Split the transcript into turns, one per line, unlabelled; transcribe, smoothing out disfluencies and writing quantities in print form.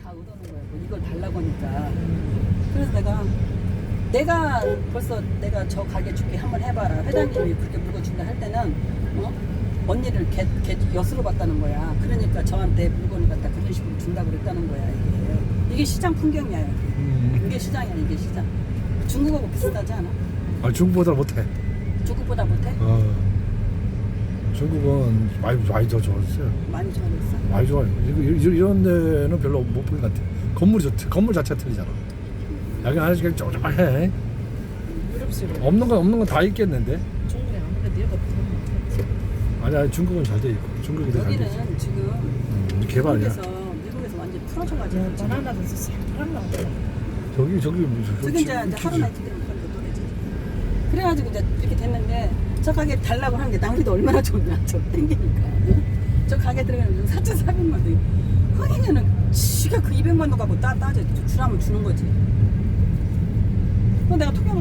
다 얻어놓은 거야. 뭐 이걸 달라고 하니까. 그래서 내가 벌써 내가 저 가게 줄게 한번 해봐라. 회장님이 그렇게 물건 준다 할 때는 언니를 개 엿으로 봤다는 거야. 그러니까 저한테 물건을 갖다 그런 식으로 준다고 그랬다는 거야. 이게 시장 풍경이야. 이게 시장이야. 이게 시장. 중국하고 비슷하지 않아?
아, 중국보다 못해.
중국보다 못해?
중국은 많이 더 좋았어요.
많이 좋아졌어?
많이 좋아요. 이런 데는 별로 못 본 것 같아. 건물 자체가 틀리잖아. 여기 아직 쪼쪼해.
유럽식으로.
없는 건 다 있겠는데.
중국에 아무래도 얘가 더
아니 중국은 잘 돼 있고 중국이 더 잘 돼 있어.
여기는 지금
개발이야.
미국에서 완전 풀어져가지고 지금.
바나나도 새파란 나오더라.
저기
저기 이제 하루나이트 때문에 그런 거 노래지. 그래가지고 이제 이렇게 됐는데 저 가게 달라고 하는 게 낭비도 얼마나 좋냐. 저 땡기니까. 저 가게 들어가면 4,400만 원. 흥이면은 지가 그 200만 원 갖고 따져 주라면 주는 거지. 그럼 내가 통영